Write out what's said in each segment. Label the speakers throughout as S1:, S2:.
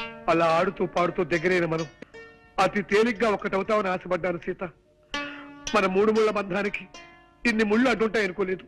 S1: అలా ఆడుతూ పాడుతూ దగ్గరైన మనం అతి తేలిగ్గా ఒక్కటవుతామని ఆశపడ్డాను సీత. మన 3 ముళ్ళ బంధానికి ఇన్ని ముళ్ళు అడ్డుంటాయి అనుకోలేదు.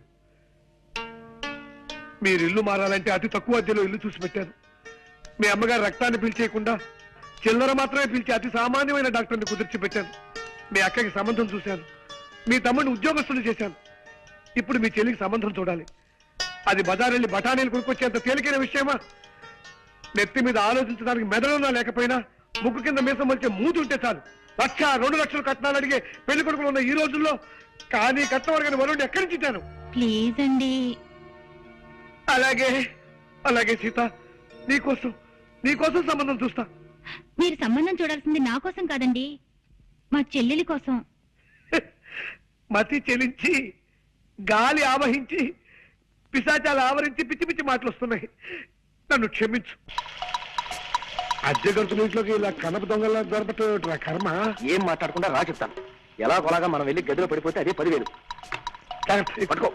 S1: మీరు ఇల్లు మారాలంటే అతి తక్కువ అద్దెలో ఇల్లు చూసి పెట్టాను. మీ అమ్మగారు రక్తాన్ని పీల్చేయకుండా చిల్లర మాత్రమే పీల్చి అతి సామాన్యమైన డాక్టర్ని కుదిర్చి పెట్టాను. మీ అక్కకి సంబంధం చూశాను. మీ తమ్ముడిని ఉద్యోగస్తులు చేశాను. ఇప్పుడు మీ చెల్లికి సంబంధం చూడాలి. అది బజారెళ్ళి బఠానీలు కొనుక్కొచ్చేంత తేలికైన విషయమా? నెత్తి మీద ఆలోచించడానికి మెదడున్నా లేకపోయినా ముక్కు కింద మీసం వచ్చే మూతి ఉంటే చాలు 1,00,000, 2 లక్షలు కట్నాలు అడిగే పెళ్లి కొడుకులు ఉన్న ఈ రోజుల్లో కానీ కట్నం అడిగిన వరుణ్ణి ఎక్కడి నుంచి ఇచ్చాను?
S2: ప్లీజ్ అండి.
S1: అలాగే అలాగే సీత, నీకోసం సంబంధం చూస్తా.
S2: మీరు సంబంధం చూడాల్సింది నా కోసం కాదండి, మా చెల్లెలి కోసం.
S1: మతి చెలించి గాలి ఆవహించి పిశాచాలు ఆవరించి పిచ్చి పిచ్చి మాటలు వస్తున్నాయి. నన్ను క్షమించు. అద్దె గంతుల ఇంట్లోకి ఇలా కనప దొంగలా దొరపట్టు కర్మ.
S3: ఏం మాట్లాడకుండా రా చెప్తాను. ఎలాగోలాగా మనం వెళ్ళి గదిలో పడిపోతే అదే 10,000. పట్టుకో.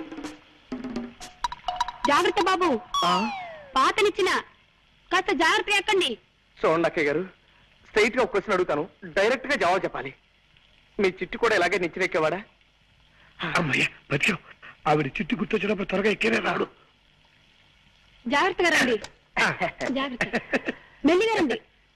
S2: జాగ్రత్త బాబు, పాతనిచ్చిన కాస్త జాగ్రత్త ఎక్కండి.
S3: చూడండి అక్కయ్య గారు, స్ట్రైట్ గా ఒక క్వశ్చన్ అడుగుతాను, డైరెక్ట్ గా జవాబు చెప్పాలి. మీ చిట్టు కూడా ఇలాగే నిచ్చినెక్కేవాడా?
S1: అమ్మయ్య బతికాం. ఆవిడ చిట్టు గుర్తొచ్చినప్పుడు త్వరగా ఎక్కేనే రాడు.
S2: జాగ్రత్తగా రండి. జాగ్రత్త, మెల్లిగా రండి.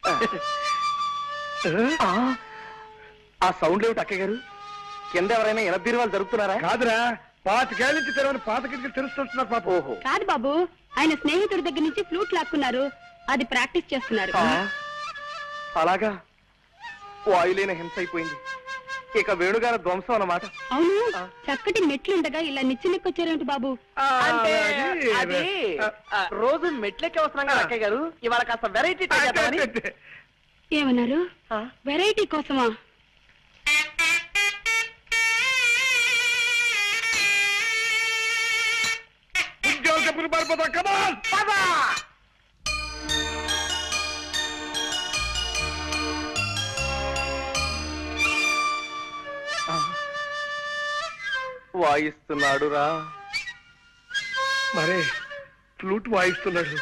S3: ఆ సౌండ్ ఏమిటి అక్కయ్య గారు? కింద ఎవరైనా ఎనబీరువాలు జరుగుతున్నారా?
S1: కాదురా, 25 ఏళ్ళ నుంచి తెరవని పాత కిటికీలు తెలుస్తుంటున్నారు పాప.
S3: ఓహో,
S2: కాదు బాబు, ఆయన స్నేహితుడి దగ్గర నుంచి ఫ్లూట్ లాక్కున్నారు, అది ప్రాక్టీస్ చేస్తున్నారు.
S3: అలాగా, వాయులేన హింస అయిపోయింది. ఇక వేణుగారి ధ్వంసం అన్నమాట.
S2: అవును, చక్కటి మెట్లుండగా ఇలా నిచ్చినెక్కొచ్చారేమిటి బాబు?
S3: అంటే అది రోజు మెట్లెక్కి వస్తున్నాం కదా అక్కయ్య గారు, ఇవాళ కాస్త వెరైటీ
S2: ఏమన్నారు? వెరైటీ కోసమా?
S1: ఉద్యోగ పారిపోతా. కమాన్ పదా.
S3: వాయిస్తున్నాడు రా.
S1: మరే ఫ్లూట్ వాయిస్తున్నాడు.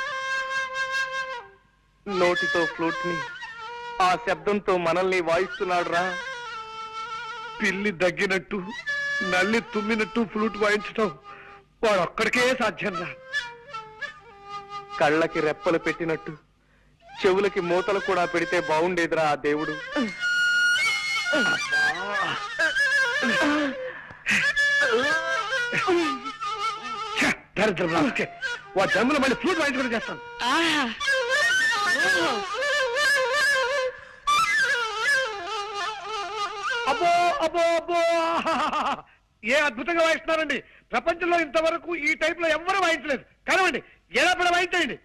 S3: నోటితో ఫ్లూట్ ని, ఆ శబ్దంతో మనల్ని వాయిస్తున్నాడు రా.
S1: పిల్లి దగ్గినట్టు నల్లి తుమ్మినట్టు ఫ్లూట్ వాయించటం వాడు ఒక్కడికే సాధ్యం రా.
S3: కళ్ళకి రెప్పలు పెట్టినట్టు చెవులకి మూతలు కూడా పెడితే బాగుండేదిరా ఆ దేవుడు.
S1: దరిద్రం రాకే, వాడు జన్మలో మళ్ళీ ఫ్లూట్ వాయించుకుంటూ చేస్తాను. అబ్బో అబ్బో అబ్బో, ఏ అద్భుతంగా వాయిస్తున్నారండి. ప్రపంచంలో ఇంతవరకు ఈ టైప్ లో ఎవ్వరూ వాయించలేదు. కనవండి, ఎలా పడ వాయించండి.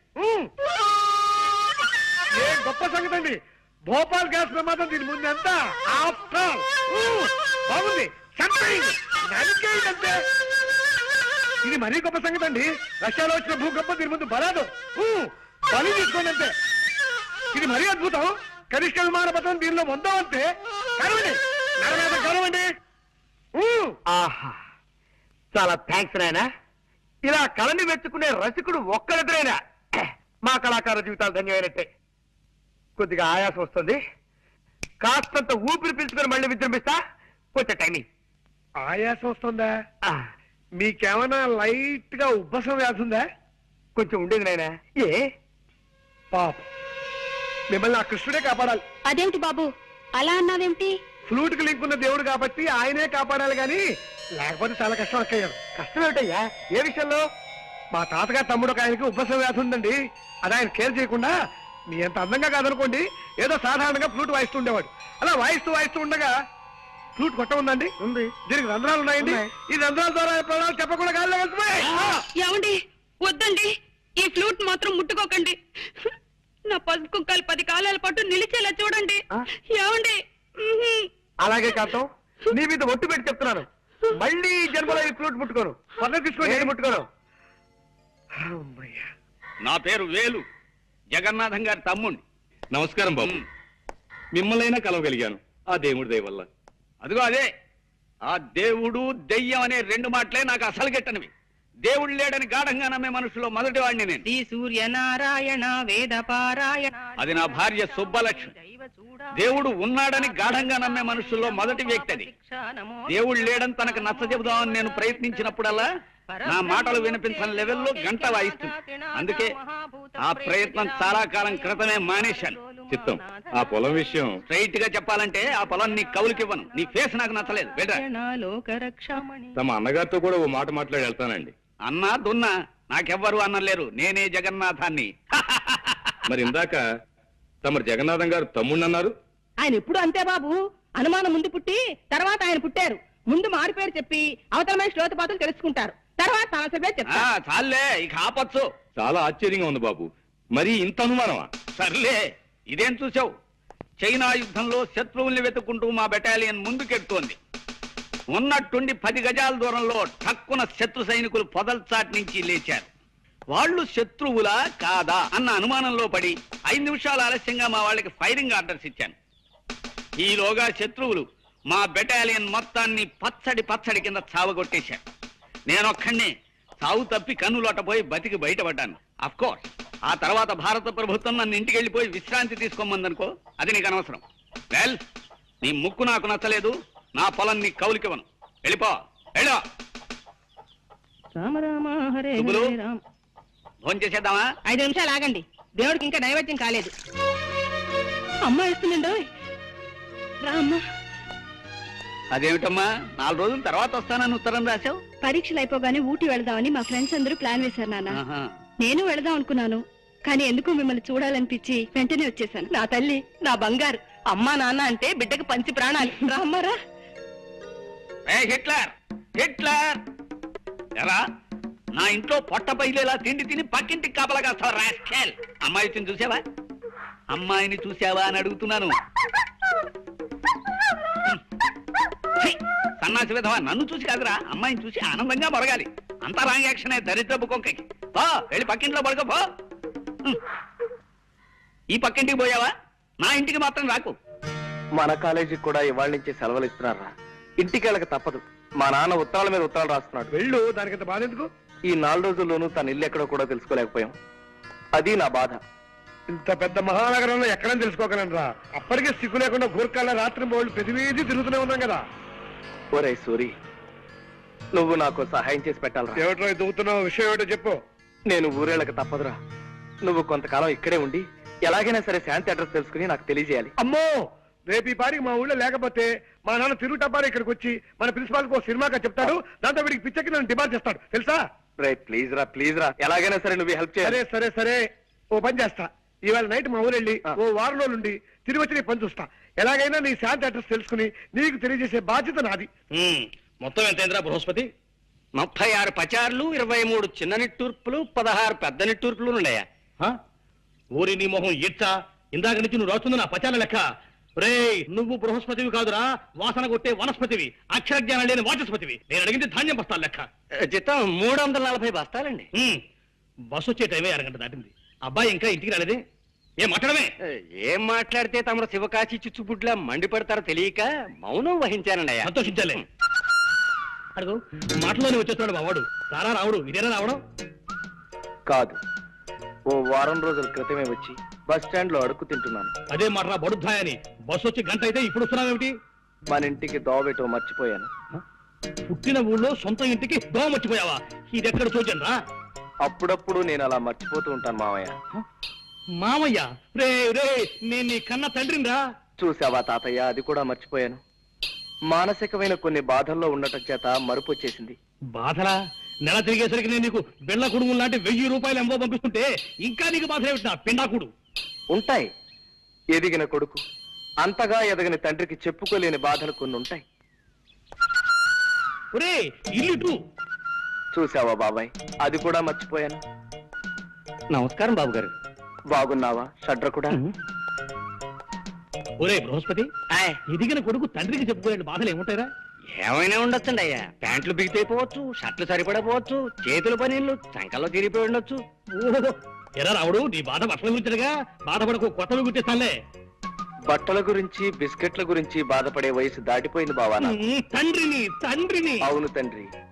S1: ఏ గొప్ప సంగతి అండి. భోపాల్ గ్యాస్ ప్రమాదం దీని ముందు ఎంత బాగుంది. నరికేయండి. ఇది మరీ గొప్ప సంగతి అండి. రష్యాలో వచ్చిన భూకంపం దీని ముందు బలాదు. బలి తీసుకోండి అంతే. ఇది మరీ అద్భుతం. కనిష్ట విమాన పథకం దీనిలో మొందాం అంతే. కరవండి, కరవండి.
S3: ఆహా, చాలా థ్యాంక్స్ నాయనా. ఇలా కళని మెచ్చుకునే రసికుడు ఒక్కరిద్దరైనా మా కళాకార జీవితాలు ధన్యమైనట్టే. కొద్దిగా ఆయాసం వస్తుంది, కాస్తంత ఊపిరి పీల్చుకొని మళ్ళీ విజృంభిస్తా. కొంచెం టైమింగ్.
S1: ఆయాసం వస్తుందా? మీకేమైనా లైట్ గా ఉబ్బసం వ్యాధి ఉందా?
S3: కొంచెం ఉండేది నాయనా. ఏ
S1: పాప, మిమ్మల్ని ఆ కృష్ణుడే కాపాడాలి.
S2: అదేమిటి బాబు అలా అన్నావేమిటి?
S1: ఫ్లూట్ కి లింక్ ఉన్న దేవుడు కాబట్టి ఆయనే కాపాడాలి గాని లేకపోతే చాలా కష్టం అక్కయ్యారు.
S3: కష్టం ఏమిటయ్యా? ఏ విషయంలో?
S1: మా తాతగారు తమ్ముడు ఒక ఆయనకి ఉబ్బసం వ్యాధి ఉందండి. అది ఆయన కేర్ చేయకుండా మీ ఎంత అందంగా కాదనుకోండి ఏదో సాధారణంగా ఫ్లూట్ వాయిస్తుండేవాడు. అలా వాయిస్తూ ఉండగా ఫ్లూట్ కొట్ట ఉందండి.
S3: ఉంది.
S1: దీనికి రంధ్రాలు ఉన్నాయండి. ఈ రంధ్రాల ద్వారా ప్రాణాలు చెప్పకుండా గాల్లో వెళ్తున్నాయి.
S2: ఏమండి, వద్దండి, ఈ ఫ్లూట్ మాత్రం ముట్టుకోకండి. నా పసుపు కుక్కలు 10 కాలాల పాటు నిలిచేలా చూడండి. ఏమండి?
S3: అలాగే కాంతం, నీ మీద ఒట్టు పెట్టి చెప్తున్నాను, మళ్ళీ జన్మలో ఈ ఫ్లూట్ ముట్టుకోను. పనులు తీసుకోండి, ముట్టుకోను.
S4: నా పేరు వేలు, జగన్నాథం గారి తమ్ముణ్ణి. నమస్కారం బాబు. మిమ్మల్నైనా కలవగలిగాను ఆ దేవుడి దయ వల్ల. అదిగో అదే, ఆ దేవుడు దెయ్యం అనే 2 మాటలే నాకు అసలు గెట్టనివి. దేవుడు లేడని గాఢంగా నమ్మే మనుషుల్లో మొదటి వాడిని నేను.
S2: శ్రీ సూర్యనారాయణ వేద పారాయణ.
S4: అది నా భార్య సుబ్బలక్ష్మి. దేవుడు ఉన్నాడని గాఢంగా నమ్మే మనుషుల్లో మొదటి వ్యక్తి అది. దేవుడు లేడని తనకు నచ్చ చెబుదామని నేను ప్రయత్నించినప్పుడల్లా నా మాటలు వినిపించని లెవెల్లో గంట వాయిస్తుంది. అందుకే ఆ ప్రయత్నం చాలా కాలం క్రితమే మానేశాను.
S5: చిత్తం, ఆ పొలం విషయం
S4: స్ట్రైట్ గా చెప్పాలంటే ఆ పొలం నీ కవులకివ్వను. నీ ఫేస్ నాకు నచ్చలేదు. వెళ్ళరా.
S5: తమ అన్నగారితో కూడా ఓ మాట మాట్లాడి వెళ్తానండి.
S4: అన్నా దున్నా నాకెవ్వరు అన్నలేరు. నేనే జగన్నాథాన్ని.
S5: మరి ఇందాక తమరు జగన్నాథం గారు తమ్ముడు అన్నారు.
S6: ఆయన ఎప్పుడు అంతే బాబు, అనుమానం ముందు పుట్టి తర్వాత ఆయన పుట్టారు. ముందు మారు పేరు చెప్పి అవతలమైన శ్లోతపాతులు తెలుసుకుంటారు, తర్వాత సమస్య పేరు చెప్తారు.
S4: చాలే ఇక ఆపచ్చు.
S5: చాలా ఆశ్చర్యంగా ఉంది బాబు. మరి ఇంత అనుమానమా?
S4: సర్లే, ఇదేం చూసావు? చైనా యుద్ధంలో శత్రువుల్ని వెతుక్కుంటూ మా బెటాలియన్ ముందుకెడుతోంది. ఉన్నట్టుండి 10 గజాల దూరంలో ఠక్కున శత్రు సైనికులు పొదల్చాటి నుంచి లేచారు. వాళ్ళు శత్రువులా కాదా అన్న అనుమానంలో పడి 5 నిమిషాలు ఆలస్యంగా మా వాళ్ళకి ఫైరింగ్ ఆర్డర్స్ ఇచ్చాను. ఈలోగా శత్రువులు మా బెటాలియన్ మొత్తాన్ని పచ్చడి కింద చావగొట్టేశారు. నేనొక్కడినే చావు తప్పి కన్నులోటపోయి బతికి బయటపడ్డాను. అఫ్కోర్స్ ఆ తర్వాత భారత ప్రభుత్వం నన్ను ఇంటికి వెళ్ళిపోయి విశ్రాంతి తీసుకోమందనుకో, అది నీకు అనవసరం. వెల్, నీ ముక్కు నాకు నచ్చలేదు, నా పొలం నీ కౌలికివ్వను. వెళ్ళిపో, వెళ్ళో.
S6: రామ రామ హరే
S4: శుభులు.
S6: హరే రామ.
S4: ఫోన్ చేసేద్దామా?
S6: 5 నిమిషాలు ఆగండి, దేవుడికి ఇంకా నైవేద్యం కాలేదు. అమ్మ ఇస్తుందండో. రా అమ్మా.
S4: అదేమిటమ్మా 4 రోజుల తర్వాత వస్తానని ఉత్తరం రాశావు?
S2: పరీక్షలు అయిపోగానే ఊటీ వెళదామని మా ఫ్రెండ్స్ అందరూ ప్లాన్ వేశారు నాన్న.
S4: ఆహా.
S2: నేను వెళదాం అనుకున్నాను, కానీ ఎందుకు మిమ్మల్ని చూడాలనిపించి వెంటనే వచ్చేసాను.
S6: నా తల్లి, నా బంగారు. అమ్మా నాన్న అంటే బిడ్డకి పంచి ప్రాణాలు. రా అమ్మారా.
S4: హిట్లర్ హిట్లర్ ఎరా, నా ఇంట్లో పొట్ట పైలేలా తిండి తిని పక్కింటికి కాపలా కాస్తావు రాస్కెల్. అమ్మాయిని చూసావా? అమ్మాయిని చూసావా అని అడుగుతున్నాను. ఛీ, సన్నాసి విధవా, నన్ను చూసి కాదురా, అమ్మాయిని చూసి ఆనందంగా మొరగాలి. అంతా రాంగ్ యాక్షనే దరిద్రపు కొంకకి. పో, వెళ్ళి పక్కింట్లో పడుకో పో. ఈ పక్కింటికి పోయావా? నా ఇంటికి మాత్రం రాకు.
S3: మన కాలేజీకి కూడా ఇవాళ నుంచి సెలవులు ఇస్తున్నారా? ఇంటికి వెళ్ళక తప్పదు. మా నాన్న ఉత్తరాల మీద ఉత్తరాలు రాస్తున్నాడు.
S1: వెళ్ళు, దానికంత బాధ ఎందుకు?
S3: ఈ 4 రోజుల్లోనూ తన ఇల్లు ఎక్కడో కూడా తెలుసుకోలేకపోయాం. అది నా బాధ.
S1: ఇంత పెద్ద మహానగరంలో ఎక్కడని తెలుసుకోగలనరా? అప్పటికే సిగ్గు లేకుండా గూర్ఖాల రాత్రి బోళ్ళు ప్రతివేది తిరుగుతూనే ఉన్నాం కదా.
S3: ఒరే సూరి, నువ్వు నాకు సహాయం చేసి పెట్టాలరా.
S1: ఏమిటో దువ్వుతున్నావు? విషయం ఏమిటో చెప్పు.
S3: నేను ఊరేళ్ళకి తప్పదురా. నువ్వు కొంతకాలం ఇక్కడే ఉండి ఎలాగైనా సరే శాంతి అడ్రస్ తెలుసుకుని నాకు తెలియజేయాలి.
S1: అమ్మో, రేపు ఈ పారికి మా ఊళ్ళో లేకపోతే మా నాన్న తిరుగుటబ్బారి ఇక్కడికి వచ్చి మన ప్రిన్సిపాల్ కు సినిమాగా చెప్తాడు. దాంతో వీడికి పిచ్చకి నన్ను డిమాండ్ చేస్తాడు, తెలుసా?
S3: రే ప్లీజ్ రా, ఎలాగైనా సరే నువ్వు హెల్ప్ చేయాలి.
S1: సరే ఓ పని చేస్తా. ఇవాళ నైట్ మా ఊరు వెళ్ళి ఓ వారం రోజుల నుండి తిరిగి వచ్చి నీ పని చూస్తా. ఎలాగైనా నీ శాంతి అడ్రస్ తెలుసుకుని నీకు తెలియజేసే బాధ్యత నాది.
S4: మొత్తం ఎంతైందిరా బృహస్పతి? 36 పచార్లు, 23 చిన్న నిట్టూర్పులు, 16 పెద్ద నిట్టూర్పులు ఉన్నాయా?
S5: ఊరి నీ మొహం ఇచ్చా, ఇందాక నుంచి నువ్వు రాస్తుంది నా పచాల లెక్క. రే, నువ్వు బృహస్పతివి కాదురా, వాసన కొట్టే వనస్పతివి, అక్షర జ్ఞానం లేని వాచస్పతివి. నేను అడిగింది ధాన్యం బస్తాల లెక్క.
S4: జీతం 340 బస్తాలండి.
S5: బస్సు వచ్చే టైమే 1 గంట దాటింది. అబ్బాయి ఇంకా ఇంటికి రాలేదే? ఏం మాట్లాడమే?
S4: ఏం మాట్లాడితే తమరు శివకాశి చిచ్చుబుడ్లా మండిపడతారో తెలియక మౌనం వహించానండి.
S5: సంతోషించాలే. అడుగు, మాటలోనే వచ్చేస్తున్నాడు మా వాడు. రారా రావుడు, ఇదేనా రావడం?
S3: కాదు, ఓ వారం రోజుల క్రితమే వచ్చి బస్ స్టాండ్ లో అడుక్కు తింటున్నాను.
S5: అదే మాటరా బడుద్దాయని. బస్సు వచ్చి గంట అయితే ఇప్పుడు వస్తున్నావేమిటి?
S3: మన ఇంటికి దోవబెట్టో మర్చిపోయాను.
S5: పుట్టిన ఊళ్ళో సొంత ఇంటికి దోమ మర్చిపోయావా? ఇదెక్కడ చూచాను రా.
S3: అప్పుడప్పుడు నేను అలా మర్చిపోతూ ఉంటాను మామయ్య.
S5: మామయ్య? రే నేను నీ కన్న తండ్రిని రా.
S3: చూసావా తాతయ్య, అది కూడా మర్చిపోయాను. మానసికమైన కొన్ని బాధల్లో ఉండటం చేత మరుపు వచ్చేసింది.
S5: బాధలా? నెల తిరిగేసరికి నేను నీకు బెళ్ళ కుడుము లాంటి 1000 రూపాయలు ఎంబో పంపిస్తుంటే ఇంకా నీకు బాధ ఏమిటి నా పిండాకుడు?
S3: ఉంటాయి. ఎదిగిన కొడుకు అంతగా ఎదగని తండ్రికి చెప్పుకోలేని బాధలు కొన్ని ఉంటాయి.
S5: ఒరే, ఇల్లు
S3: చూసావా బాబాయ్, అది కూడా మర్చిపోయాను.
S4: నమస్కారం బాబు గారు.
S3: బాగున్నావా షడ్ర కూడా?
S5: ఒరే బృహస్పతి, ఎదిగిన కొడుకు తండ్రికి చెప్పుకోలేని బాధలు ఏముంటాయిరా?
S4: ఏమైనా ఉండొచ్చండి అయ్యా. ప్యాంట్లు బిగితైపోవచ్చు, షర్ట్లు సరిపడపోవచ్చు, చేతుల పనీళ్ళు చంకల్లో తిరిగిపోయి ఉండొచ్చు.
S5: ఓహో, ఎరా రావుడు, నీ బాధ బట్టల గురించిగా. బాధపడకు, కొత్తవి గుర్తిస్తానులే.
S3: బట్టల గురించి బిస్కెట్ల గురించి బాధపడే వయసు దాటిపోయింది బావా నాకు.
S5: తండ్రిని.
S3: అవును తండ్రి,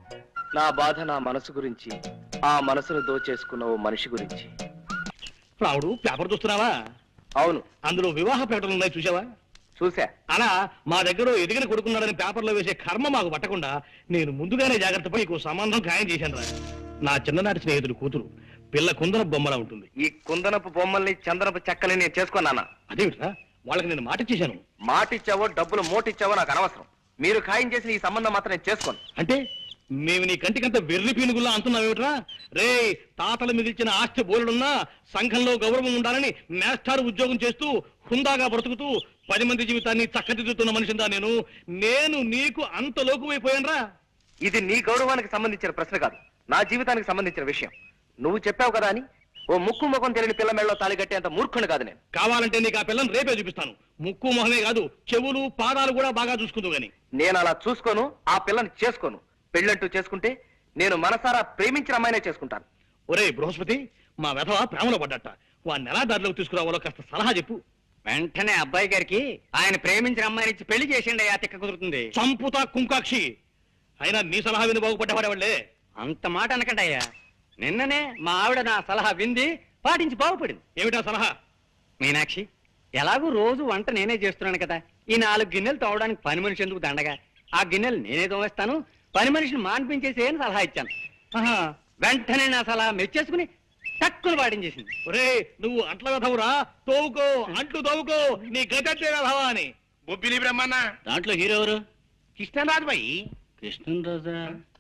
S3: నా బాధ నా మనసు గురించి, ఆ మనసును దోచేసుకున్న ఓ మనిషి గురించి.
S5: రావుడు పేపర్ చూస్తున్నావా?
S3: అవును,
S5: అందులో వివాహ ప్రకటనలు ఉన్నాయి, చూసావా?
S3: చూసా.
S5: అలా మా దగ్గర ఎదిగిన కొడుకున్నాడని పేపర్లో వేసే కర్మ మాకు పట్టకుండా నేను ముందుగానే జాగ్రత్త పడి నీకు సంబంధం ఖాయం చేశాను రా. నా చిన్ననాటి స్నేహితుడు కూతురు, పిల్ల కుందన బొమ్మలా ఉంటుంది.
S3: ఈ కుందనపు బొమ్మల్ని చందనపు చెక్కని నేను చేసుకున్నానా?
S5: అదేమిట్రా, వాళ్ళకి నేను మాట ఇచ్చేశాను.
S3: మాటిచ్చావో డబ్బులు మోటిచ్చావో నాకు అనవసరం. మీరు ఖాయం చేసిన ఈ సంబంధం మాత్రం నేను చేసుకోను.
S5: అంటే మేము నీ కంటికంత వెర్రి పీనుగుల్లా అంటున్నావేమిట్రా? రే, తాతలు మిగిల్చిన ఆస్తి బోలుడున్నా సంఘంలో గౌరవం ఉండాలని మేస్టార్ ఉద్యోగం చేస్తూ హుందాగా బ్రతుకుతూ 10 మంది జీవితాన్ని చక్కదిద్దుతున్న మనిషిందా నేను నీకు అంత లోకువైపోయానరా?
S3: ఇది నీ గౌరవానికి సంబంధించిన ప్రశ్న కాదు, నా జీవితానికి సంబంధించిన విషయం. నువ్వు చెప్పావు కదా అని ఓ ముక్కు ముఖం తెలియని పిల్ల మెళ్ళలో తాళి కట్టేంత మూర్ఖుని కాదు నేను.
S5: కావాలంటే నీకు ఆ పిల్లని రేపే చూపిస్తాను. ముక్కు మొహమే కాదు, చెవులు పాదాలు కూడా బాగా చూసుకుంటూ గాని.
S3: నేను అలా చూసుకోను, ఆ పిల్లని చేసుకోను. పెళ్ళంటూ చేసుకుంటే నేను మనసారా ప్రేమించిన అమ్మాయినే చేసుకుంటాను.
S5: ఒరే బృహస్పతి, మా వెధవ ప్రేమలో పడ్డట. వాడిని ఎలా దారిలోకి తీసుకురావాలో కాస్త సలహా చెప్పు.
S4: వెంటనే అబ్బాయి గారికి ఆయన ప్రేమించిన అమ్మాయిని ఇచ్చి పెళ్లి చేసిండి, ఆ తిక్క కుదురుతుంది.
S5: చంపుతా కుంకాక్షి. అయినా నీ సలహా విని బాగుపడ్డవాడేవాళ్లే.
S4: అంత మాట అనకండి అయ్యా. నిన్ననే మా ఆవిడ నా సలహా వింది, పాటించి బాగుపడింది.
S5: ఏమిటా సలహా?
S4: మీనాక్షి, ఎలాగూ రోజు వంట నేనే చేస్తున్నాను కదా, ఈ 4 గిన్నెలు తోవడానికి పని మనిషి ఎందుకు దండగా? ఆ గిన్నెలు నేనే తోవేస్తాను, పని మనిషిని మాన్పించేసి అని సలహా ఇచ్చాను. వెంటనే నా సలహా మెచ్చేసుకుని తక్కువ పాటించేసింది.
S5: ఒరే, నువ్వు అంట్ల వెధవురా, తోవుకో, అంట్లు తోవుకో, నీ గజంటే వెధవా అని.
S7: బొబ్బిలి బ్రహ్మన్న
S5: దాంట్లో హీరో ఎవరు?
S7: కృష్ణరాజు బాయి.
S5: కృష్ణరాజా?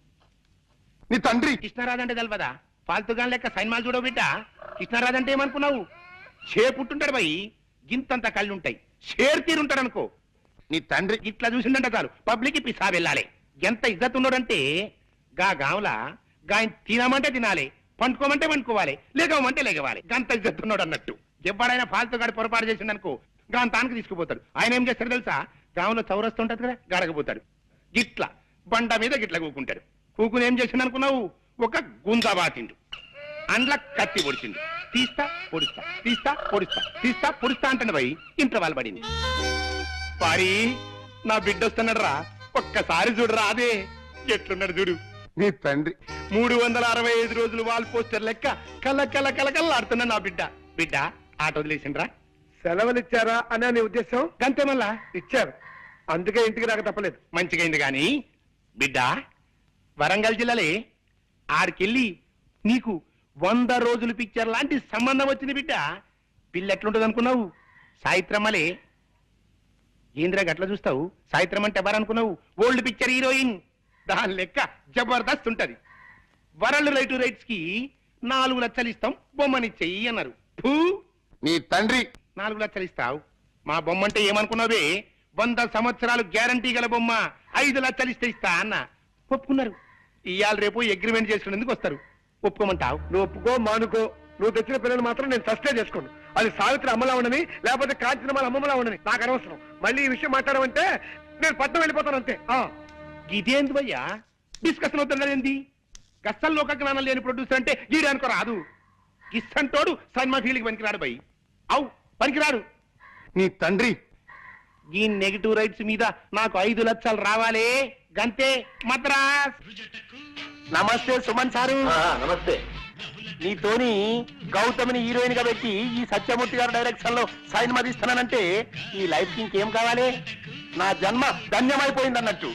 S7: నీ తండ్రి కృష్ణరాజు అంటే తెలవదా? ఫాల్తుగా లెక్క సైన్మాలు చూడవు బిడ్డ. కృష్ణరాజు అంటే ఏమనుకున్నావు? పుట్టుంటాడు బాయి, గింతంత కళ్ళుంటాయి, షేర్ తీరుంటాడు అనుకో. నీ తండ్రి ఇట్లా చూసిందంట చాలు పబ్లిక్ పిసా వెళ్ళాలి. ఎంత ఇజ్జత్ ఉన్నాడంటే గా గావులా గాయన తినమంటే తినాలి, పండుకోమంటే పండుకోవాలి, లేగమంటే లేగవాలి. గంత ఇజ్జత్ ఉన్నాడు అన్నట్టు. ఎవడైనా ఫాల్తుగాడి పొరపాటు చేసిందనుకో గాని తానికి తీసుకుపోతాడు. ఆయన ఏం చేస్తాడు తెలుసా? గాంలో చౌరస్తూ ఉంటది కదా, గడకపోతాడు. గిట్ల బండ మీద గిట్ల కూకుంటాడు. కూకుని ఏం చేసిండు అనుకున్నావు? ఒక గుంజా బాతిండు, అండ్ల కత్తి పొడిచిండు. తీస్తా పొడిస్తా, తీస్తా పొడిస్తా, తీస్తా పొడిస్తా అంటాడు భయ్. ఇంట్లో వాళ్ళు పడింది. పారి, నా బిడ్డ వస్తున్నాడు రా, ఒక్కసారి చూడరా. అదే ఎట్లున్నాడు చూడు నీ తండ్రి. 365 రోజులు వాల్ పోస్టర్ లెక్క కళ్ళ కళ్ళ కళ్ళకల్లాడుతున్నా నా బిడ్డ. బిడ్డ ఆట వదిలేసిండ్రా.
S1: సెలవులు ఇచ్చారా అని నీ ఉద్దేశం?
S7: గంతే మళ్ళా
S1: ఇచ్చారు, అందుకే ఇంటికి రాక తప్పలేదు.
S7: మంచిగైంది గాని బిడ్డ, వరంగల్ జిల్లాలే ఆడికెళ్ళి నీకు 100 రోజులు పిక్చర్ లాంటి సంబంధం వచ్చింది బిడ్డ. పిల్ల ఎట్లుంటది అనుకున్నావు? సాయిత్రమ్మలే. ఏంద్రా గట్ల చూస్తావు? సాయిత్రం అంటే ఎవరనుకున్నావు? Old picture heroine. దాని లెక్క జబర్దస్త్ ఉంటది. వరల్డ్ రైట్స్ కి 4 లక్షలు ఇస్తాం, బొమ్మనిచ్చేయి అన్నారు. నీ తండ్రి 4 లక్షలు ఇస్తావు, మా బొమ్మ అంటే ఏమనుకున్నావే? 100 సంవత్సరాలు గ్యారంటీ గల బొమ్మ, 5 లక్షలు ఇస్తా అన్న. ఒప్పుకున్నారు. ఇవాళ రేపు అగ్రిమెంట్ చేసుకునేందుకు వస్తారు. ఒప్పుకోమంటావు?
S1: నువ్వు ఒప్పుకో మానుకో, నువ్వు తెచ్చిన పిల్లలు మాత్రం నేను సస్టే చేసుకోండి. అది సావిత్రి అమ్మలా ఉండని, లేకపోతే కాంచనమాల అమ్మమ్మలా ఉండని నాకు అనవసరం. మళ్ళీ ఈ విషయం మాట్లాడమంటే నేను పట్నం వెళ్ళిపోతాను అంతే.
S7: ఇదేంది భయ్యా డిస్కషన్ అవుతున్నది? గస్సల్లోక జ్ఞానం లేని ప్రొడ్యూసర్ అంటే గీడు అనుకో రాదు. గిస్సంటోడు సినిమా ఫీల్డ్కి పనికిరాడు భయ్. అవు పనికిరాడు. నీ తండ్రి ఈ నెగిటివ్ రైట్స్ మీద నాకు 5 లక్షలు రావాలే, గంతే మద్రాస్. నమస్తే సుమన్ సారు.
S3: నమస్తే.
S7: నీతోని గౌతమిని హీరోయిన్ గా పెట్టి ఈ సత్యమూర్తి గారి డైరెక్షన్ లో సైన్మా తీస్తానంటే ఈ లైఫ్ కి ఇంకేం కావాలి? నా జన్మ ధన్యమైపోయింది అన్నట్టు.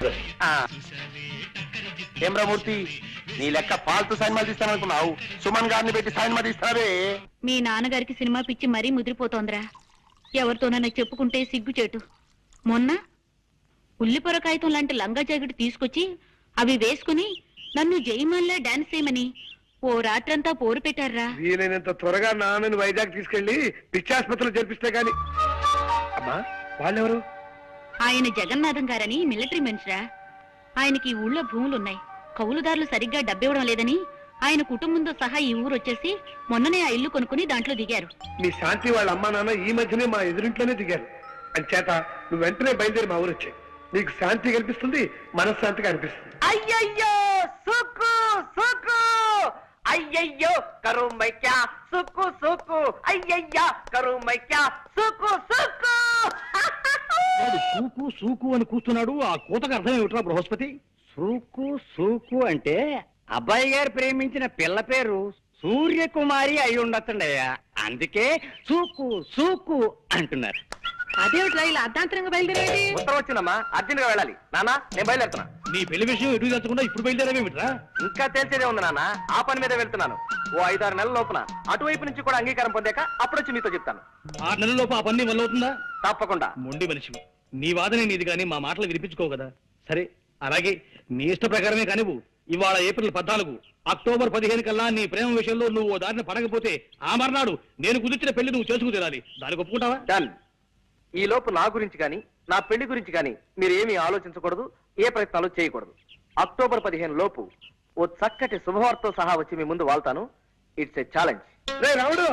S7: ఏమ్రమూర్తి, నీ లెక్క ఫాల్తు సైన్మాలు తీస్తాననుకున్నావు, సుమన్ గారిని పెట్టి సైన్మా తీస్తావే.
S2: మీ నాన్నగారికి సినిమా పిచ్చి మరీ ముదిరిపోతోందిరా. ఎవరితోనైనా చెప్పుకుంటే సిగ్గుచేటు. మొన్న ఉల్లిపొర కాగితం లాంటి లంగా జాకెట్ తీసుకొచ్చి అవి వేసుకుని నన్ను జయమాన్లా డాన్స్ చేయమని ఓ రాత్రంతా పోరు పెట్టారా.
S1: వీలైనంత త్వరగా నాన్నని వైజాగ్ తీసుకెళ్లి పిచ్చాసుపత్రిలో చేర్పిస్తే గాని. అమ్మా, వాళ్ళెవరు?
S2: ఆయన జగన్నాథం గారని మిలిటరీ మనిషిరా. ఆయనకి ఈ ఊళ్ళో భూములున్నాయి, కౌలుదారులు సరిగ్గా డబ్బివ్వడం లేదని ఆయన కుటుంబంతో సహా ఈ ఊరు వచ్చేసి మొన్ననే ఆ ఇల్లు కొనుక్కుని దాంట్లో దిగారు.
S1: మీ శాంతి వాళ్ళ అమ్మా నాన్న ఈ మధ్యనే మా ఎదురింట్లోనే దిగారు. అంచేత నువ్వు వెంటనే బయలుదేరి మా ఊరు వచ్చాయి. నీకు శాంతి కనిపిస్తుంది, మనశ్శాంతిగా అనిపిస్తుంది.
S3: అయ్యయ్యో సుక్కు సుక్కు, అయ్యయ్యో కరు మై క్యా సుక్కు సుక్కు, అయ్యయ్యా కరు మై క్యా సుక్కు సుక్కు.
S5: వాడు సూకు సూకు అని కూస్తున్నాడు. ఆ కూతకు అర్థం ఏమిట్రా బృహస్పతి?
S3: సూకు సూకు అంటే అబ్బాయి గారు ప్రేమించిన పిల్ల పేరు సూర్యకుమారి అయి ఉండొచ్చండయ్యా, అందుకే సూకు సూకు అంటున్నారు.
S6: అదేమిట్రా ఇలా అర్ధాంతరంగా బయలుదేరేది?
S3: ఉత్తరం వచ్చిందమ్మా, అర్జెంట్ గా వెళ్ళాలి. నాన్న నేను బయలుదేరుతున్నా.
S5: నీ పెళ్లి విషయం ఎటు తెచ్చకుండా ఇప్పుడు బయలుదేరావేమిట్రా?
S3: ఇంకా తేల్చేదే ఉంది నాన్న, ఆ పని మీద వెళ్తున్నాను. ఓ 5-6 నెలల లోపున అటువైపు నుంచి కూడా అంగీకారం పొందాక అప్పుడొచ్చి మీతో చెప్తాను.
S5: 6 నెలల్లోపు ఆ పని వల్ల అవుతుందా?
S3: తప్పకుండా.
S5: మొండి మనిషివి, నీ వాదనే నీది కానీ మా మాటలు వినిపించుకో కదా. సరే అలాగే నీ ఇష్ట ప్రకారమే కానివ్వు. ఇవాళ ఏప్రిల్ 14, అక్టోబర్ 15 కల్లా నీ ప్రేమ విషయంలో నువ్వు ఓ దారిని పడకపోతే ఆ మర్నాడు నేను కుదిర్చిన పెళ్లి నువ్వు చేసుకు తీరాలి. దానికి ఒప్పుకుంటావా?
S3: డన్. ఈ లోపు నా గురించి కానీ నా పెళ్లి గురించి కానీ మీరు ఏమీ ఆలోచించకూడదు, ఏ ప్రయత్నాలు చేయకూడదు. అక్టోబర్ 15 లోపు ఓ చక్కటి శుభవార్తతో సహా వచ్చి మీ ముందు వాళ్తాను. It's a challenge.
S1: రే రాముడు,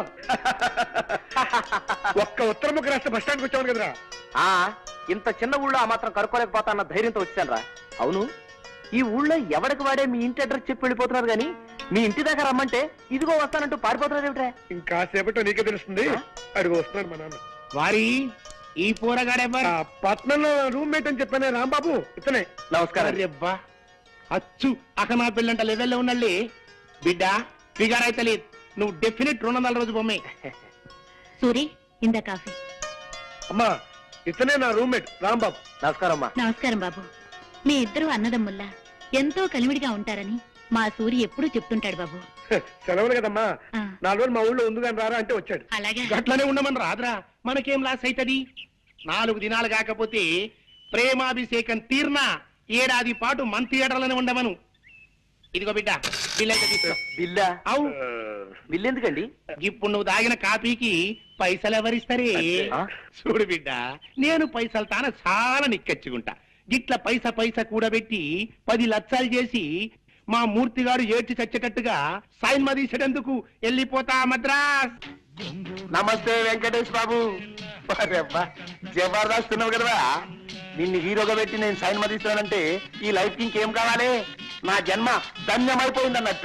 S1: ఒక్క ఉత్తరముఖ రాష్ట్ర బస్ స్టాండ్కి వచ్చావు కదరా.
S3: ఆ ఇంత చిన్న ఊళ్ళో ఆ మాత్రం కనుక్కోలేకపోతా అన్న ధైర్యంతో వచ్చాను రా. అవును, ఈ ఊళ్ళో ఎవరికి వాడే మీ ఇంటి అడ్రస్ చెప్పి వెళ్ళిపోతున్నారు కానీ మీ ఇంటి దగ్గర రమ్మంటే ఇదిగో వస్తానంటూ పారిపోతున్నారు ఏమిట్రా?
S1: ఇంకా సేపట్లో నీకే తెలుస్తుంది. అడుగు వస్తున్నాడు మా నాన్న.
S7: వారి ఈ పోరగాడెవ్వరు?
S1: ఆ పట్నంలో రూమ్మేట్ అని చెప్పానే రాంబాబు, ఇతనే.
S3: నమస్కారం.
S7: అబ్బా అచ్చు అక్క నా పిల్లంట లెవెల్లో ఉన్నళ్ళి బిడ్డ ఫిగర్ అయితే లేదు. నువ్వు డెఫినెట్ 200 రోజు బొమ్మే.
S2: సూరి, ఇందా కాఫీ.
S1: అమ్మా, ఇతనే నా రూమ్మేట్ రాంబాబు.
S3: నమస్కారం అమ్మా.
S2: నమస్కారం బాబు. మీ ఇద్దరు అన్నదమ్ముల్లా ఎంతో కలివిడిగా ఉంటారని మా సూరి ఎప్పుడూ చెప్తుంటాడు బాబు.
S1: సెలవులు కదమ్మా,
S2: ఆ.
S1: 4 రోజులు మా ఊళ్ళో ఉంది కానీ రారా అంటే వచ్చాడు.
S2: అలాగే.
S7: గట్లనే ఉండమని రాదురా, మనకేం లాస్ అవుతుంది? 4 దినాలు కాకపోతే ప్రేమాభిషేకం తీర్నా ఏడాది పాటు మన థియేటర్లోనే ఉండమను. ఇదిగో బిడ్డ బిల్ అయితే తీసుకో.
S3: బిల్లా?
S7: అవు
S3: బిల్ ఎందుకండి?
S7: ఇప్పుడు నువ్వు తాగిన కాపీకి పైసలు ఎవరిస్తారే?
S3: ఆ?
S7: చూడు బిడ్డ, నేను పైసలు తాన చాలా నిక్కచ్చుకుంటా. గిట్ల పైసా కూడబెట్టి 10 లక్షలు చేసి మా మూర్తిగాడు ఏడ్చి చచ్చేటట్టుగా సైన్ మదీసేటందుకు వెళ్ళిపోతా మద్రాస్. నమస్తే వెంకటేష్ బాబు. జబర్దస్త్ ఉన్నావు కదరా, నిన్ను హీరోగా పెట్టి నేను సైన్ మదీస్తానంటే ఈ లైఫ్ కి ఇంకేం కావాలి? నా జన్మ ధన్యమైపోయింది అన్నట్టు.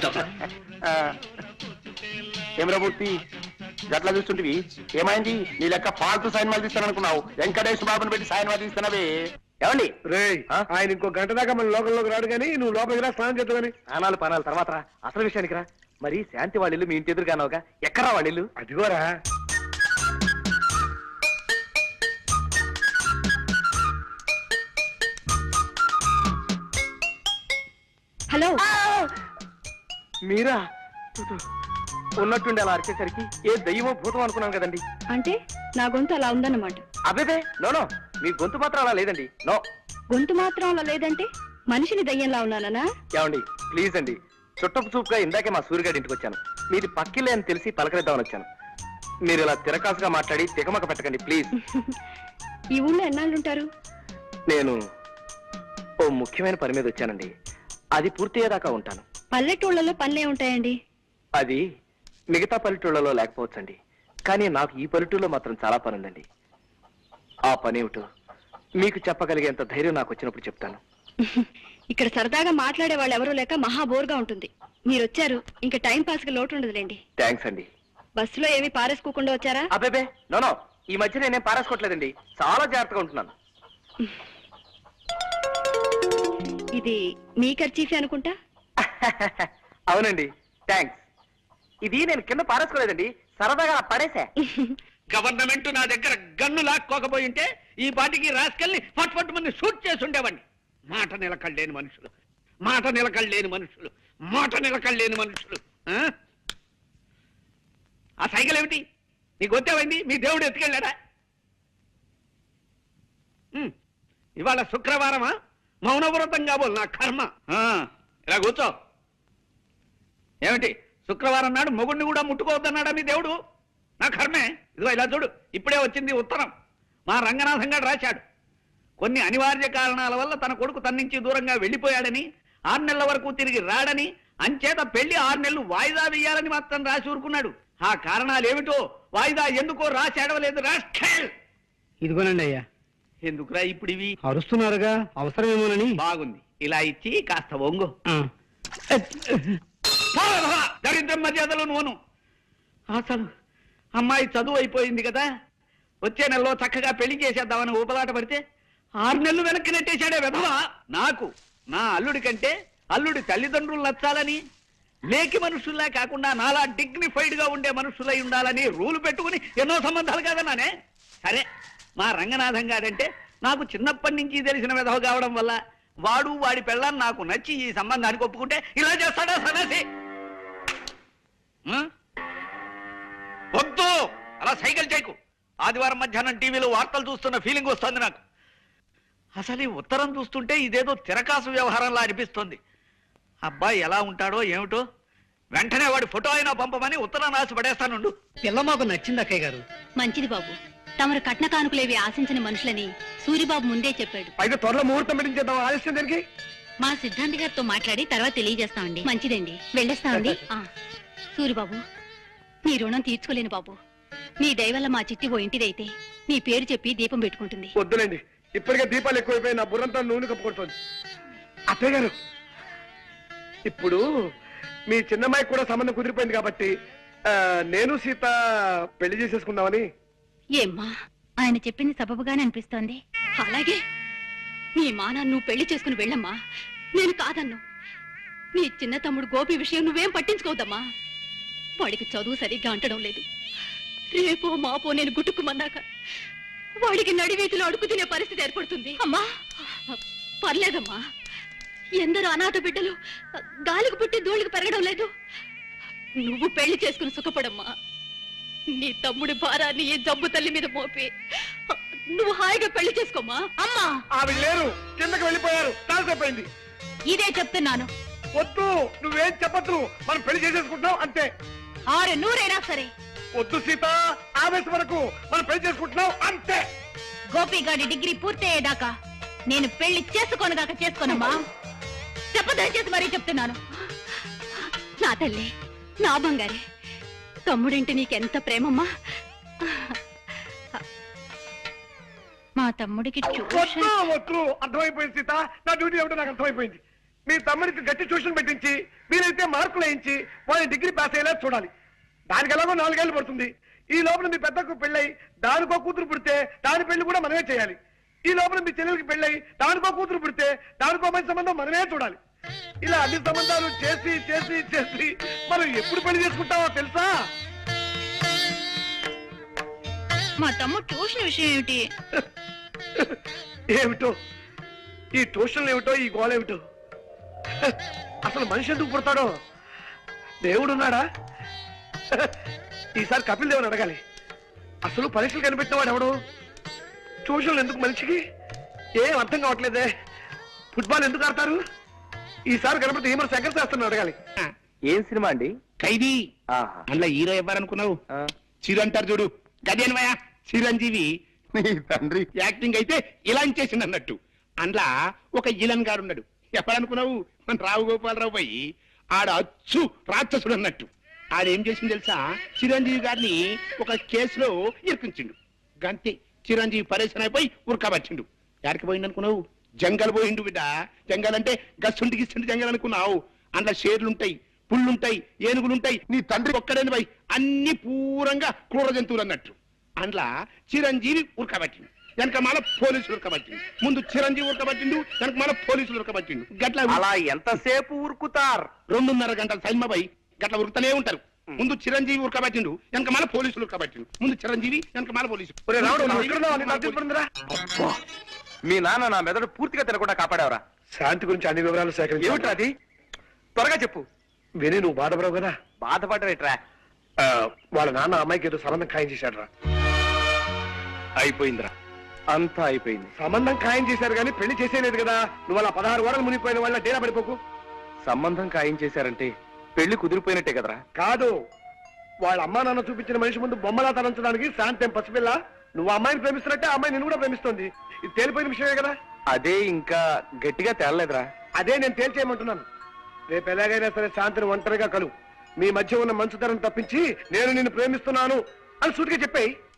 S7: ఏమరా మూర్తి, గట్లా చూస్తుంటివి, ఏమైంది? నీ లెక్క ఫాల్తు సైన్ మదీస్తాను అనుకున్నావు, వెంకటేష్ బాబుని పెట్టి సైన్ మదీస్తున్నావే. ఏమండి
S1: రే,
S3: ఆ?
S1: ఆయన ఇంకో గంట దాకా మన లోకంలోకి రాడు కానీ నువ్వు లోపలికి రా, స్నానం చేద్దామని.
S3: స్నానాలు పానాలు తర్వాత రా, అసలు విషయానికి రా. మరి శాంతి వాళ్ళిల్లు మీ ఇంటి ఎదురుగానోగా, ఎక్కడా వాళ్ళిల్లు?
S1: అదిగోరా.
S6: హలో,
S3: మీరా? ఉన్నట్టుండి అలా అరిచేసరికి ఏ దయ్యమో భూతం అనుకున్నాను కదండి.
S6: అంటే నా గొంతు అలా ఉందన్నమాట.
S3: అబేబే, నో, మీ గొంతు మాత్రం అలా లేదండి. నో.
S6: గొంతు మాత్రం అలా లేదంటే మనిషిని దయ్యంలా ఉన్నానా?
S3: ఏమండి ప్లీజ్ అండి, చుట్టపు చూపుగా ఇందాకే మా సూర్యగాడి ఇంటికి వచ్చాను. మీది పక్కిలే అని తెలిసి పలకరిద్దామని వచ్చాను. మీరు ఇలా తిరకాసుగా మాట్లాడి తికమక పెట్టకండి ప్లీజ్.
S6: ఈ ఊళ్ళో ఎన్నాళ్ళుంటారు?
S3: నేను ఓ ముఖ్యమైన పని మీద వచ్చానండి, అది పూర్తయ్యేదాకా ఉంటాను.
S6: పల్లెటూళ్ళలో పనులే ఉంటాయండి.
S3: అది మిగతా పల్లెటూళ్ళలో లేకపోవచ్చండి, కానీ నాకు ఈ పల్లెటూళ్ళలో మాత్రం చాలా పని ఉందండి. ఆ పని ఏమిటో మీకు చెప్పగలిగేంత ధైర్యం నాకు వచ్చినప్పుడు చెప్తాను.
S6: ఇక్కడ సరదాగా మాట్లాడే వాళ్ళు ఎవరూ లేక మహా బోర్గా ఉంటుంది. మీరు వచ్చారు, ఇంకా టైం పాస్ కి లోటు ఉండదులేండి.
S3: థ్యాంక్స్ అండి.
S6: బస్సులో ఏమీ పారేసుకోకుండా వచ్చారా?
S3: అబ్బేబే, నో, ఈ మధ్య నేనేం పారేసుకోవట్లేదండి, చాలా జాగ్రత్తగా ఉంటున్నాను.
S6: ఇది మీ ఖర్చీఫే అనుకుంటా.
S3: అవునండి, థ్యాంక్స్. ఇది నేను కింద పారేసుకోలేదండి, సరదాగా పడేసా.
S4: గవర్నమెంట్ నా దగ్గర గన్ను లాక్కోకపోయి ఉంటే ఈ పాటికి రాసుకెళ్ళి ఫట్ మంది షూట్ చేసి ఉండేవాడిని. మాట నిలకడలేని మనుషులు, మాట నిలకడలేని మనుషులు, మాట నిలకడలేని మనుషులు. ఆ సైకిల్ ఏమిటి? నీకు వచ్చావండి, మీ దేవుడు ఎత్తుకెళ్ళాడా? ఇవాళ శుక్రవారమా? మౌనవ్రతం కాబోలు నా కర్మ. ఇలా కూర్చో. ఏమిటి శుక్రవారం నాడు మొగుడిని కూడా ముట్టుకోవద్దన్నాడా మీ దేవుడు? నా కర్మే. ఇదిగో ఇలా చూడు, ఇప్పుడే వచ్చింది ఉత్తరం. మా రంగనాథం గారు రాశాడు. కొన్ని అనివార్య కారణాల వల్ల తన కొడుకు తన నుంచి దూరంగా వెళ్లిపోయాడని, 6 నెలల వరకు తిరిగి రాడని, అంచేత పెళ్లి 6 నెలలు వాయిదా వేయాలని మాత్రం రాసి ఊరుకున్నాడు. ఆ కారణాలు ఏమిటో వాయిదా ఎందుకో రాసి అడవలేదు. రాష్ట్ర
S3: ఇదిగోనండి అయ్యా.
S4: ఎందుకురా ఇప్పుడు ఇవి?
S3: అరుస్తున్నారుగా, అవసరమేమోనని.
S4: బాగుంది, ఇలా ఇచ్చి కాస్త ఒంగు. దరిద్రం మర్యాదలు నువ్వును. అసలు అమ్మాయి చదువు అయిపోయింది కదా, వచ్చే నెలలో చక్కగా పెళ్లి చేసేద్దామని ఊపలాట పడితే 6 నెలలు వెనక్కి నెట్టేశాడే విధవా. నాకు నా అల్లుడి కంటే అల్లుడి తల్లిదండ్రులు నచ్చాలని, లేకి మనుషుల్లా కాకుండా నాలా డిగ్నిఫైడ్ గా ఉండే మనుషులై ఉండాలని రూలు పెట్టుకుని ఎన్నో సంబంధాలు కాదన్నానే. సరే, మా రంగనాథం గారంటే నాకు చిన్నప్పటి నుంచి తెలిసిన విధవ కావడం వల్ల వాడు వాడి పెళ్ళాన్ని నాకు నచ్చి ఈ సంబంధానికి ఒప్పుకుంటే ఇలా చేస్తాడా సన్నాసి? వద్దు, అలా సైకిల్ చేయకు. ఆదివారం మధ్యాహ్నం టీవీలో వార్తలు చూస్తున్న ఫీలింగ్ వస్తుంది నాకు. అసలు ఈ ఉత్తరం చూస్తుంటే ఇదేదో తిరకాసు వ్యవహారంలా అనిపిస్తుంది. అబ్బాయి ఎలా ఉంటాడో ఏమిటో, వెంటనే వాడి ఫోటో అయినా పంపమని ఉత్తరం రాసి పడేస్తానుండు.
S8: పిల్ల మాకు నచ్చింది అక్కయ్య గారు.
S2: మంచిది బాబు. తమరు కట్న కానుకలేవి ఆశించిన మనుషులని సూరిబాబు ముందే చెప్పాడు.
S1: అయితే త్వరలో ముహూర్తం పెట్టించేద్దాం. ఆలస్యం దానికి
S2: మా సిద్ధాంతి గారితో మాట్లాడి తర్వాత తెలియజేస్తామండి. మంచిదండి, వెళ్ళేస్తామండి. సూరిబాబు, నీ రుణం తీర్చుకోలేను బాబు. నీ దయవల్ల మా చిట్టి ఓ ఇంటిదైతే నీ పేరు చెప్పి దీపం పెట్టుకుంటుంది.
S1: వద్దులేండి, ఇప్పటికే దీపాలు ఎక్కువైపోయి నా బుర్రంతా నూనె కప్పుకొడుతోంది. అత్తయ్య గారు, ఇప్పుడు మీ చిన్నమ్మాయికి కూడా సంబంధం కుదిరిపోయింది కాబట్టి నేను సీత పెళ్లి చేసేసుకుందామని.
S2: ఏమ్మా, ఆయన చెప్పింది సబబుగానే అనిపిస్తోంది. అలాగే నీ మానాన్ని నువ్వు పెళ్లి చేసుకుని వెళ్ళమ్మా, నేను కాదన్ను. నీ చిన్న తమ్ముడు గోపి విషయం నువ్వేం పట్టించుకోవద్దమ్మా. వాడికి చదువు సరిగ్గా అంటడం లేదు. రేపో మాపో నేను గుట్టుకుమన్నాక వాడికి నడివీధిలో అడుగు తినే పరిస్థితి ఏర్పడుతుంది. అమ్మా, పర్లేదమ్మా. ఎందరో అనాథ బిడ్డలు గాలికి పుట్టి ధూళికి పెరగడం లేదు. నువ్వు పెళ్లి చేసుకుని సుఖపడమ్మా. నీ తమ్ముడి భారాన్ని ఈ జబ్బు తల్లి మీద మోపి నువ్వు హాయిగా పెళ్లి చేసుకోమా. అమ్మా,
S1: ఆవిడ లేరు, కిందకి వెళ్ళిపోయారు. కాసేపోయింది.
S2: ఇదే చెప్తున్నాను.
S1: వద్దు, నువ్వేం చెప్పద్దు. మనం పెళ్లి చేసేసుకుంటున్నాం అంతే.
S2: 600 సరే.
S1: వద్దు సీత, ఆవేశం వరకు మనం పెళ్లి చేసుకుంటున్నాం అంతే.
S2: గోపిగాడి డిగ్రీ పూర్తయ్యేదాకా నేను పెళ్లి చేసుకోనుగాక చేసుకోనమ్మా. చెప్పదయచేసి మరీ చెప్తున్నాను. నా తల్లి, నా బంగారే, తమ్ముడింటి నీకెంత ప్రేమమ్మా. మా తమ్ముడికి
S1: వద్దు వద్దు, అర్థమైపోయింది సీత. నా డ్యూటీ ఏమిటో నాకు అర్థమైపోయింది. మీ తమ్ముడికి గట్టి ట్యూషన్ పెట్టించి వీలైతే మార్కులు వేయించి వాళ్ళని డిగ్రీ పాస్ అయ్యేలా చూడాలి. దానికి ఎలాగో 4 ఏళ్ళు పడుతుంది. ఈ లోపల మీ పెద్దకు పెళ్ళై దానికో కూతురు పుడితే దాని పెళ్లి కూడా మనమే చేయాలి. ఈ లోపల మీ చెల్లెలకి పెళ్ళై దానికో కూతురు పుడితే దానికో మంచి సంబంధం మనమే చూడాలి. ఇలా అన్ని సంబంధాలు చేసి చేసి చేసి మనం ఎప్పుడు పెళ్లి చేసుకుంటామో తెలుసా?
S2: మా తమ్ముడు ట్యూషన్ విషయం ఏమిటి?
S1: ఏమిటో ఈ ట్యూషన్లు ఏమిటో, ఈ గోళ ఏమిటో. అసలు మనిషి ఎందుకు పుడతాడో? దేవుడున్నాడా? ఈసారి కపిల్ దేవుని అడగాలి. అసలు పరీక్షలు కనిపెట్టిన వాడు ఎవడు? ట్యూషన్లు ఎందుకు మనిషికి? ఏం అర్థం కావట్లేదే. ఫుట్బాల్ ఎందుకు ఆడతారు? ఈసారి కనపడితే ఏమో శంకర్ శాస్త్రం అడగాలి.
S3: ఏం సినిమా అండి?
S7: ఖైదీ.
S3: ఆహా.
S7: అందులో హీరో ఎవరనుకున్నావు? చిరు అంటారు చూడు, గదేనవయా చిరంజీవి. నీ తండ్రి యాక్టింగ్ అయితే ఇలా చేసింది అన్నట్టు. అందులో ఒక ఇలన్ గారు ఉన్నాడు. ఎప్పుడనుకున్నావు? మన రావు గోపాలరావు పోయి ఆడ అచ్చు రాక్షసుడు అన్నట్టు. ఆడేం చేసింది తెలుసా? చిరంజీవి గారిని ఒక కేసులో ఇరికించిండు. గంతే, చిరంజీవి పరేషన్ అయిపోయి ఉరకబట్టిండు. ఎక్కడికి పోయిండు అనుకున్నావు? జంగల్ పోయిండు బిడ్డ. జంగల్ అంటే గస్సుంటి గిస్తుంటి జంగల్ అనుకున్నావు. అందులో షేర్లుంటాయి, పుళ్ళుంటాయి, ఏనుగులుంటాయి. నీ తండ్రి ఒక్కడని పోయి అన్ని పూరంగా క్రూర జంతువులు అన్నట్టు. అందులో చిరంజీవి ఉరకబట్టిండు, వెనక మాల పోలీసులు ఉరకబట్టిండు. ముందు చిరంజీవి ఉరకబట్టిండు, వెనక మాల పోలీసులు ఉరకబట్టిండు. గట్ల
S3: అలా ఎంతసేపు ఉరుకుతారు?
S7: 2.5 గంటల సైన్మబాయి గట్ల ఉరుకుతూనే ఉంటారు. ముందు చిరంజీవి ఉరకబట్టిండు, వెనక మాల పోలీసులు ఉరకబట్టిండు. ముందు చిరంజీవి, వెనక మాల పోలీసులు.
S1: ఒరే రావుడు, నువ్వు ఎక్కడున్నావు? నీకు అర్థం
S3: అబ్బా, మీ నాన్న నా మెదడు పూర్తిగా తినకుండా కాపాడేవరా?
S1: శాంతి గురించి అన్ని వివరాలు సేకరించి
S3: ఏమిట్రా అది? త్వరగా చెప్పు.
S1: విని నువ్వు బాధపడవు కదా.
S3: బాధపడరేట్రా?
S1: వాళ్ళ నాన్న అమ్మాయికి ఏదో సంబంధం ఖాయం చేశాడు రా.
S3: అయిపోయిందిరా, అంతా అయిపోయింది.
S1: సంబంధం ఖాయం చేశారు కానీ పెళ్లి చేసేలేదు కదా. నువ్వు అలా 16 వారాలు మునిగిపోయిన వాళ్ళ డేరా పడిపోకు.
S3: సంబంధం ఖాయం చేశారంటే పెళ్లి కుదిరిపోయినట్టే కదరా?
S1: కాదు, వాళ్ళ అమ్మా నాన్న చూపించిన మనిషి ముందు బొమ్మలా తలంచడానికి శాంతి ఏం పసిపిల్ల. నువ్వు అమ్మాయిని ప్రేమిస్తున్నట్టే అమ్మాయి నిన్ను కూడా ప్రేమిస్తోంది. ఇది తేలిపోయిన విషయమే కదా.
S3: అదే ఇంకా గట్టిగా తేలలేదురా.
S1: అదే నేను తేల్చేయమంటున్నాను. రేపు ఎలాగైనా సరే శాంతిని ఒంటరిగా కలు. మీ మధ్య ఉన్న మంచుతనం తప్పించి నేను నిన్ను ప్రేమిస్తున్నాను అని సూటిగా చెప్పేయి.